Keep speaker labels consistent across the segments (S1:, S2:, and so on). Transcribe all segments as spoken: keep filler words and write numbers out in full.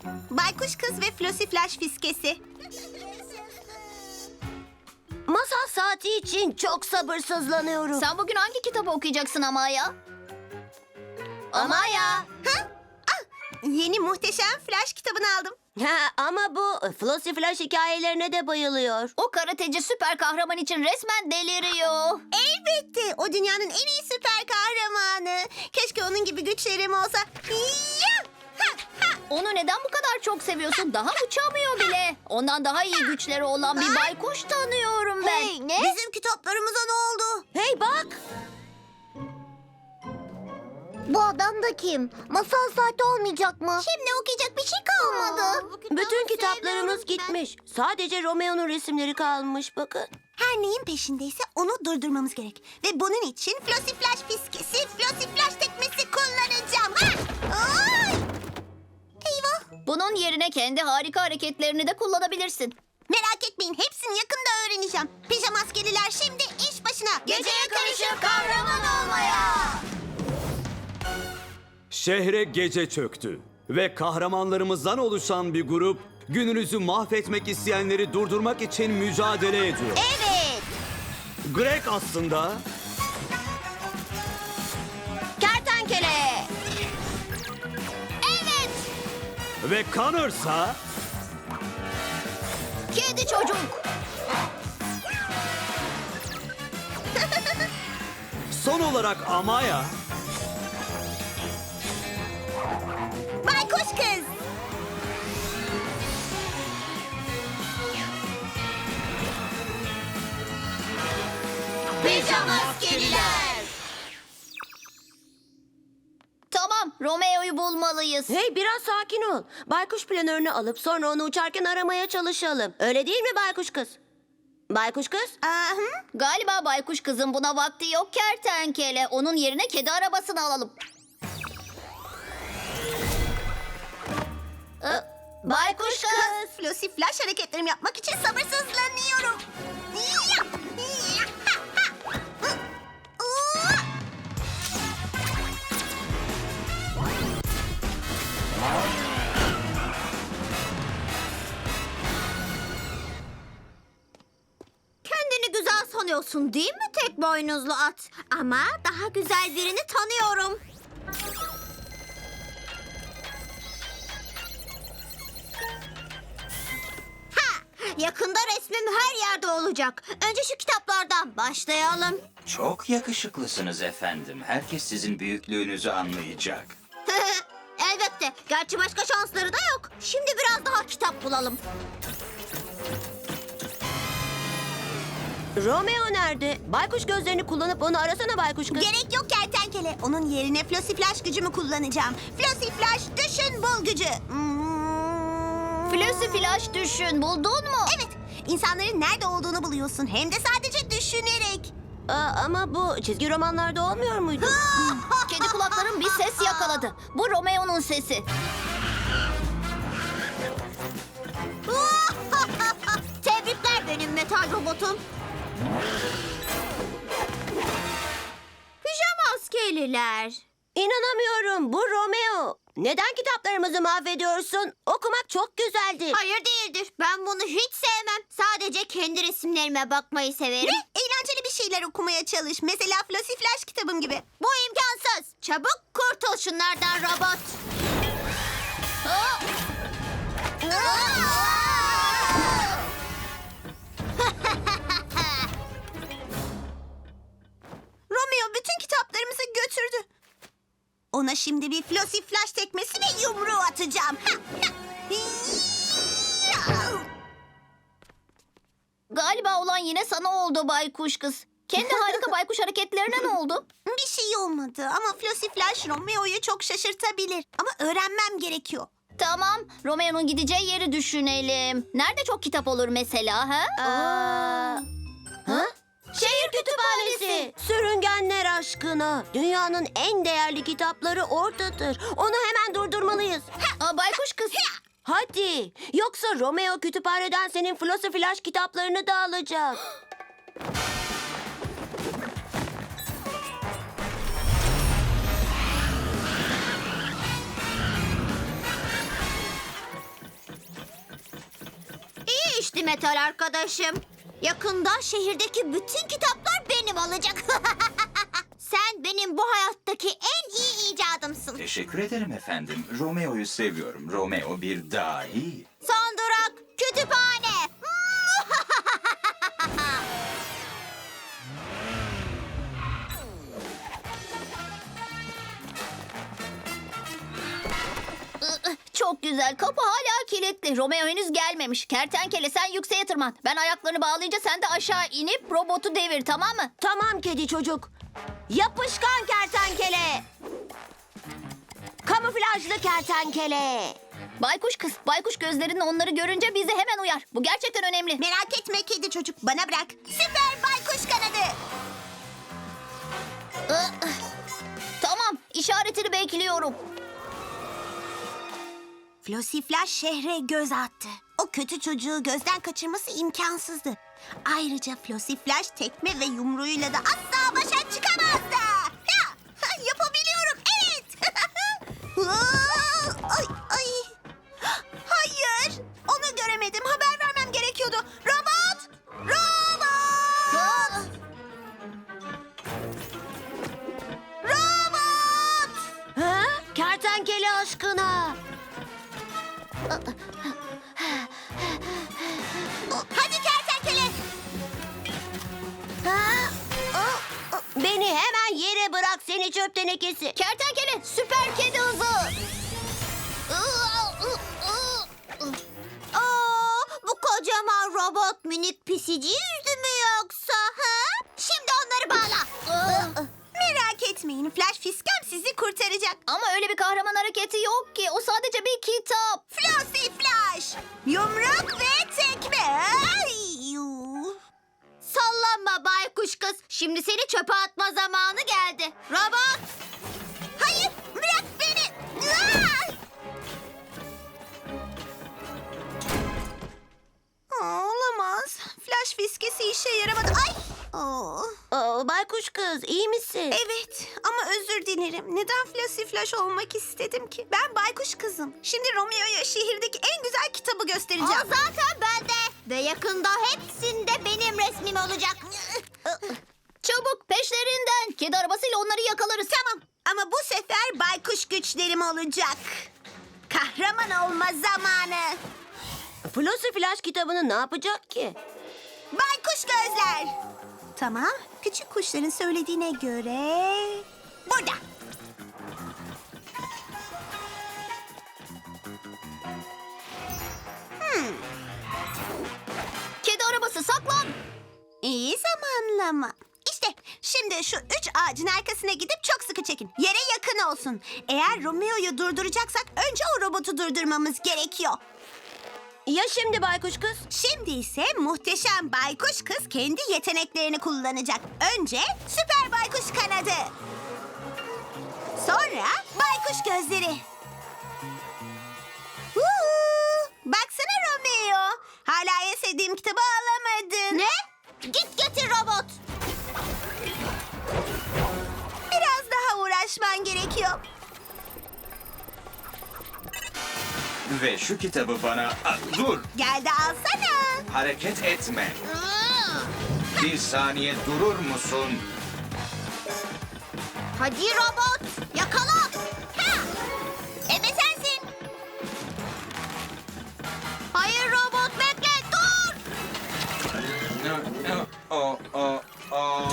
S1: Baykuş Kız ve Flossy Flash Fiskesi.
S2: Masal saati için çok sabırsızlanıyorum.
S3: Sen bugün hangi kitabı okuyacaksın Amaya? Amaya.
S1: Ha? Ah, yeni muhteşem Flash kitabını aldım.
S2: Ha, ama bu Flossy Flash hikayelerine de bayılıyor.
S3: O karateci süper kahraman için resmen deliriyor.
S1: Elbette o dünyanın en iyi süper kahramanı. Keşke onun gibi güçlerim olsa. Ya! Ha, ha.
S3: Onu neden bu kadar çok seviyorsun? Daha uçamıyor bile. Ondan daha iyi güçleri olan bir baykuş tanıyorum ben.
S2: Hey, ne?
S1: Bizim kitaplarımıza ne oldu?
S2: Hey bak!
S4: Bu adam da kim? Masal saati olmayacak mı?
S1: Şimdi okuyacak bir şey kalmadı.
S2: Bütün kitaplarımız gitmiş. Sadece Romeo'nun resimleri kalmış bakın.
S1: Her neyin peşindeyse onu durdurmamız gerek. Ve bunun için Flossy Flash Fiskesi, Flossy Flash tekmesi kullanacağım. Ha! Ay! Eyvah!
S3: Bunun yerine kendi harika hareketlerini de kullanabilirsin.
S1: Merak etmeyin, hepsini yakında öğreneceğim. Pijama askeriler şimdi iş başına.
S3: Geceye karışıp kahraman olmaya.
S5: Şehre gece çöktü ve kahramanlarımızdan oluşan bir grup gününüzü mahvetmek isteyenleri durdurmak için mücadele ediyor.
S1: Evet.
S5: Greg aslında
S2: Kertenkele!
S3: Evet.
S5: ve Connor'sa
S3: Kedi çocuk.
S5: son olarak Amaya
S1: Baykuş Kız.
S3: Pijama askeriler. Tamam, Romeo'yu bulmalıyız.
S2: Hey biraz sakin ol. Baykuş planörünü alıp sonra onu uçarken aramaya çalışalım. Öyle değil mi baykuş kız? Baykuş kız?
S1: Aa, hı?
S3: Galiba baykuş kızın buna vakti yok kertenkele. Onun yerine kedi arabasını alalım. Ee, Baykuş kız.
S1: Flossy Flash hareketlerimi yapmak için sabırsızlanıyorum. Ya! Ya! Ha! Ha! Hı! Aa!
S4: Kendini güzel sanıyorsun değil mi tek boynuzlu at? Ama daha güzel birini tanıyorum. Ha, yakında resmim her yerde olacak. Önce şu kitaplardan başlayalım.
S6: Çok yakışıklısınız efendim. Herkes sizin büyüklüğünüzü anlayacak.
S4: Elbette. Gerçi başka şansları da yok. Şimdi biraz daha kitap bulalım.
S2: Romeo nerede? Baykuş gözlerini kullanıp onu arasana baykuş kız.
S1: Gerek yok kertenkele. Onun yerine Flossy Flash gücümü kullanacağım. Flossy Flash düşün bul gücü. Hmm.
S3: Flossy Flash düşün. Buldun mu?
S1: Evet. İnsanların nerede olduğunu buluyorsun. Hem de sadece düşünerek.
S2: Aa, ama bu çizgi romanlarda olmuyor muydu?
S3: Kedi kulaklarım bir ses yakaladı. Bu Romeo'nun sesi.
S4: Tebrikler benim metal robotum. Pijama askeriler.
S2: İnanamıyorum bu Romeo. Neden kitaplarımızı mahvediyorsun? Okumak çok güzeldi.
S4: Hayır değildir. Ben bunu hiç sevmem. Sadece kendi resimlerime bakmayı severim.
S1: Ne? Eğlenceli bir şeyler okumaya çalış. Mesela Flossy Flash kitabım gibi.
S4: Bu imkansız. Çabuk kurtul şunlardan robot.
S1: Romeo bütün kitaplarımızı götürdü. Ona şimdi bir Flossy Flash tekmesi ve yumruğu atacağım. Ha, ha. Ya!
S3: Galiba olan yine sana oldu baykuş kız. Kendi harika baykuş hareketlerine ne oldu?
S1: Bir şey olmadı ama Flossy Flash Romeo'yu çok şaşırtabilir. Ama öğrenmem gerekiyor.
S3: Tamam, Romeo'nun gideceği yeri düşünelim. Nerede çok kitap olur mesela ha?
S2: Aa, ha? Şehir kütüphanesi. Sürüngenler aşkına. Dünyanın en değerli kitapları oradadır. Onu hemen durdurmalıyız.
S3: Aa, baykuş kız.
S2: Hadi. Yoksa Romeo kütüphaneden senin Flossy Flash kitaplarını da alacak.
S4: Metal arkadaşım. Yakında şehirdeki bütün kitaplar benim olacak. Sen benim bu hayattaki en iyi icadımsın.
S6: Teşekkür ederim efendim. Romeo'yu seviyorum. Romeo bir dahi.
S4: Son durak kütüphane.
S3: Çok güzel. Kapı hala kilitli. Romeo henüz gelmemiş. Kertenkele sen yükseğe tırman. Ben ayaklarını bağlayınca sen de aşağı inip robotu devir, tamam mı?
S2: Tamam kedi çocuk. Yapışkan kertenkele. Kamuflajlı kertenkele.
S3: Baykuş kız, baykuş gözlerin onları görünce bizi hemen uyar. Bu gerçekten önemli.
S1: Merak etme kedi çocuk, bana bırak. Süper baykuş kanadı.
S3: Tamam, işaretini bekliyorum.
S1: Flossy Flash şehre göz attı. O kötü çocuğu gözden kaçırması imkansızdı. Ayrıca Flossy Flash tekme ve yumruğuyla da asla başa çıkamazdı. Ya, ha, yapabiliyorum, evet. ay, ay. Hayır, onu göremedim. Haber vermem gerekiyordu. Robot! Robot! Robot!
S2: Ha? Kertenkele aşkına.
S1: Hadi kertenkele.
S2: Ha? Aa, Beni hemen yere bırak seni çöp tenekesi.
S3: Kertenkele, süper kedi hızı.
S4: Aa, bu kocaman robot minik pisici yüzdü mü yoksa? Ha? Şimdi onları bağla.
S1: Merak etmeyin, Flash Fiskem sizi kurtaracak.
S3: Ama öyle bir kahraman hareketi yok ki. O sadece bir kitap.
S1: Flossy Flash! Yumruk ve tekme. Ay, yuh.
S4: Sallanma baykuş kız. Şimdi seni çöpe atma zamanı geldi. Robot.
S1: Hayır, bırak beni. Aa! Aa, olamaz. Flash fiskesi işe yaramadı. Ay! Oo.
S2: Aa, baykuş kız iyi misin?
S1: Evet ama özür dilerim. Neden Flossy Flash olmak istedim ki? Ben baykuş kızım. Şimdi Romeo'ya şehirdeki en güzel kitabı
S4: O
S1: göstereceğim.
S4: zaten bende. Ve yakında hepsinde benim resmim olacak.
S3: Çabuk peşlerinden. Kedi arabasıyla onları yakalarız.
S1: Tamam ama bu sefer baykuş güçlerim olacak. Kahraman olma zamanı.
S2: Flossy Flash kitabını ne yapacak ki?
S1: Baykuş gözler. Tamam, küçük kuşların söylediğine göre... Burada.
S3: Kedi arabası saklan.
S1: İyi zamanlama. İşte şimdi şu üç ağacın arkasına gidip çok sıkı çekin. Yere yakın olsun. Eğer Romeo'yu durduracaksak önce o robotu durdurmamız gerekiyor.
S2: Ya şimdi baykuş kız?
S1: Şimdi ise muhteşem baykuş kız kendi yeteneklerini kullanacak. Önce süper baykuş kanadı. Sonra baykuş gözleri. Huu, baksana Romeo. Hala en sevdiğim kitabı alamadın.
S4: Ne? Git getir robot.
S1: Biraz daha uğraşman gerekiyor.
S6: Ve şu kitabı bana... Aa, dur!
S1: Gel de alsana.
S6: Hareket etme. Bir saniye durur musun?
S4: Hadi robot. Yakala.
S1: Ha! Ebe sensin.
S4: Hayır robot bekle dur.
S6: O, o, o.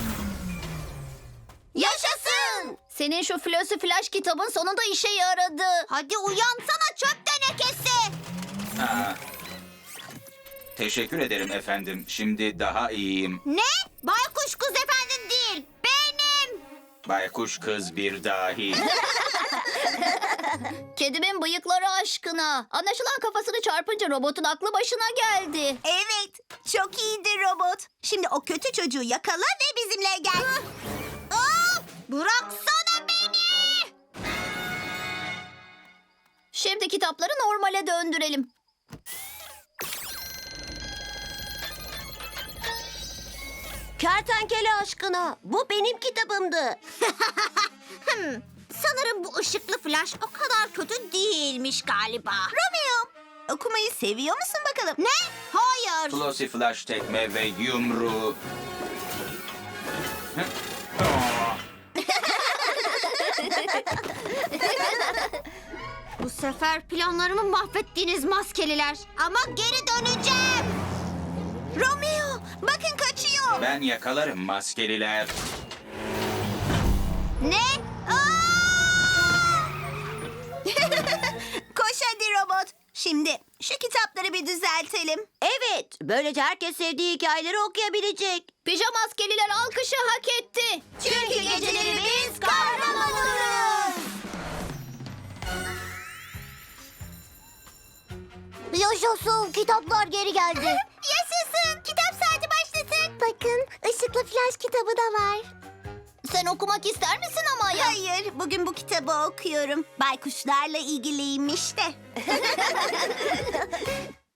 S3: Yaşasın. Senin şu Flossy Flash kitabın sonunda işe yaradı.
S4: Hadi uyansana çöp tenekesi.
S6: Aa. Teşekkür ederim efendim. Şimdi daha iyiyim.
S4: Ne? Baykuş kız efendin değil. Benim.
S6: Baykuş kız bir dahi.
S3: Kedimin bıyıkları aşkına. Anlaşılan kafasını çarpınca robotun aklı başına geldi.
S1: Evet, çok iyiydi robot. Şimdi o kötü çocuğu yakala ve bizimle gel.
S4: Aa, bıraksana beni.
S3: Şimdi kitapları normale döndürelim.
S2: Kertenkele aşkına. Bu benim kitabımdı.
S4: Sanırım bu ışıklı flash o kadar kötü değilmiş galiba.
S1: Romeo, okumayı seviyor musun bakalım?
S4: Ne? Hayır.
S6: Flossy Flash tekme ve yumruğu.
S4: Bu sefer planlarımı mahvettiniz maskeliler. Ama geri döneceğim.
S1: Romeo, bakın kaçıyor.
S6: Ben yakalarım maskeliler.
S4: Ne? Aa!
S1: Koş hadi robot. Şimdi şu kitapları bir düzeltelim.
S2: Evet, böylece herkes sevdiği hikayeleri okuyabilecek.
S3: Pijama maskeliler alkışı hak etti.
S1: Çünkü geceleri biz kahraman oluruz.
S4: Yaşasın, kitaplar geri geldi. Yaşasın, kitap saati başlasın. Bakın, ışıklı flash kitabı da var.
S3: Sen okumak ister misin ama ya?
S1: Hayır, bugün bu kitabı okuyorum. Baykuşlarla ilgiliymiş de.